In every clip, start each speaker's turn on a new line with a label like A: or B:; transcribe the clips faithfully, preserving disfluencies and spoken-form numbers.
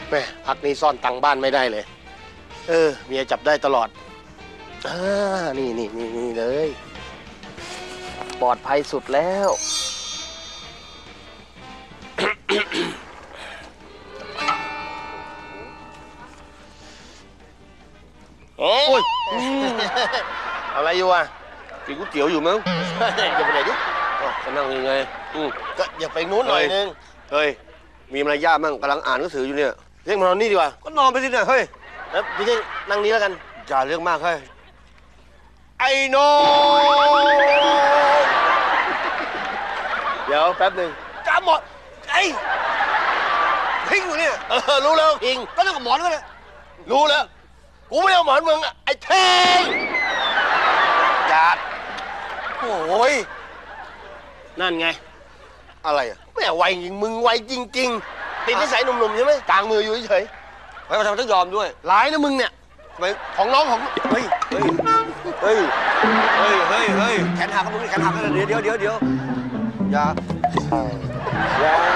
A: แม่พักนี้ซ่อนตังค์บ้านไม่ได้เลยเออเมียจับได้ตลอดอ่านี่นี่นี่นี่เลยปลอดภัยสุดแล้วโอ้ยอะไรอยู่อ่ะกินก๋วยเตี๋ยวอยู่มั้งอย่าไปไหนดิจะนั่งยังไงก็อย่าไปนู้นหน่อยนึงเฮ้ยมีมารยาทมั่งกำลังอ่านหนังสืออยู่เนี่ยเรียกมานอนนี่ดีกว่าก็นอนไปสิเนี่ยเฮ้ยแล้วพี่เท่งนั่งนี้แล้วกันอย่าเรื่องมากเฮ้ยไอ้โน้เดี๋ยวแป๊บหนึ่งจ้าหมดไอ้พิงอยู่เนี่ยเออรู้แล้วพิงก็เรื่องกับหมอนก็เลยรู้แล้วกูไม่เอาหมอนมึงอ่ะไอ้เท่งจัดโอ้ยนั่นไงอะไรอ่ะแม่ไวจริงมึงไวจริงๆติดนิสัยหนุ่มๆใช่ไหมกลางมืออยู่เฉยๆไม่มาทำต้องยอมด้วยร้ายนะมึงเนี่ยทำไมของน้องของเฮ้ยเฮ้ยเฮ้ยเฮ้ยเฮ้ยเฮ้ยแขนหักกับมึงนี่แขนหักกันเดี๋ยวเดี๋ยวเดี๋ยวเดี๋ยวอย่าอย่า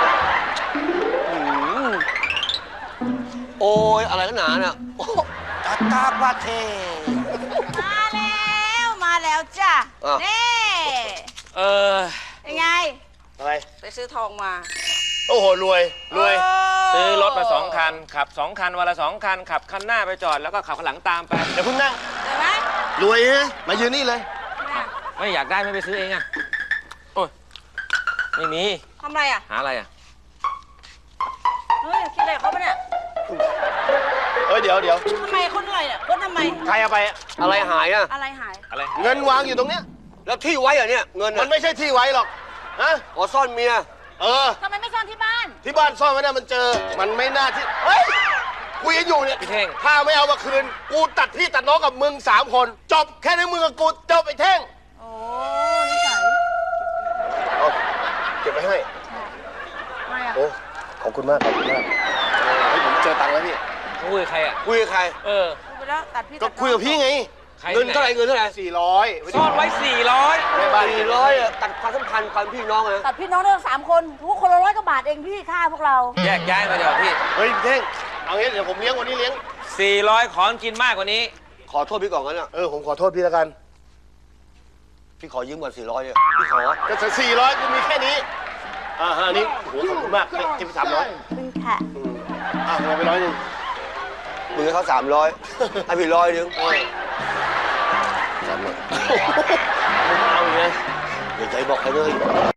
A: โอ้ยอะไรกันหนาเนี่ยตาตาปาเท
B: มาแล้วมาแล้วจ้ะนี่
C: เออ
B: ยังไง
A: อะไร
B: ไปซื้อทองมา
A: โอ้โหรวยรวย
C: ซื้อรถมาสองคันขับสองคันวันละสองคันขับคันหน้าไปจอดแล้วก็ขับข้างหลังตามไป
A: เดี๋ยวพึ่งนั่ง
B: เห็นไหม
A: รวยนะมายืนนี่เลย
C: ไม่อยากได้ไม่ไปซื้อเองอ่ะโอ้ยไม่มี
B: ทำไรอ่ะ
C: หาอะไรอ่ะ
B: เฮ้ยคิดอะไรเขาปะเนี่ย
A: เฮ้ยเดี๋ยวเดี๋ยว
B: ทำไมคนอะไรอ่ะคนทำไม
A: ใครเอาไปอะไรหายอ่ะ
B: อะไรหาย
C: อะไร
A: เงินวางอยู่ตรงเนี้ยแล้วที่ไว้อะเนี่ยเงินมันไม่ใช่ที่ไว้หรอกฮะอ๋อซ่อนเมียเออ
B: ทำไมไม่ซ่อนที่บ้าน
A: ที่บ้านซ่อนไว้เนี่ยมันเจอมันไม่น่าที่เฮ้ยคุยกันอยู่เนี่ย
C: พี่เท่ง
A: ถ้าไม่เอามาคืนกูตัดพี่ตัดน้องกับมึงสามคนจบแค่ในมึงกับกูจบไอ้เท่ง
B: โอ้นิสัย
A: เอาเก็บไว้ให้
B: ไม่อะ
A: โอ้ขอบคุณมากขอบคุณมากเฮ้ยผมเจอตังค์แล้วพี่
C: คุยกับใครอ่ะ
A: คุยกับใคร
C: เออ
B: คุยไปแล้วตัดพี่
A: ก็คุยกับพี่ไงเงินเท่าไหร่เงินเท่าไหร่สี่ร้อย
C: ซ่อนไว้สี่ร้อย
A: ไม่บ้านสี่ร้อยอะตัดความสัมพันธ์ความพี่น้องนะ
B: ตัดพี่น้องเรื่องสามคนทุกคนละร้อยกว่าบาทเองพี่ค่าพวกเรา
C: แยกย้ายมาเดี๋ยวพี่
A: เฮ้ยพี่เท่งเอางี้เดี๋ยวผมเลี้ยงวันนี้เลี้ยง
C: สี่ร้อยขอกินมากกว่านี้
A: ขอโทษพี่ก่อนกันนะเออผมขอโทษพี่แล้วกันพี่ขอยืมก่อนสี่ร้อยเนี่ยพี่ขอจะสี่ร้อยกูมีแค่นี้อ่าฮะนี่โหขอบคุณมากเก็บไปสามร้อย
B: เป็นค่ะ
A: อ่ะเอาไปร้อยหนึ่งมึงให้เขาสามร้อยให้พี่ร้อยหนึ่งสามร้อยเอาอย่างเงี้ยอย่าใจบอกใครเลย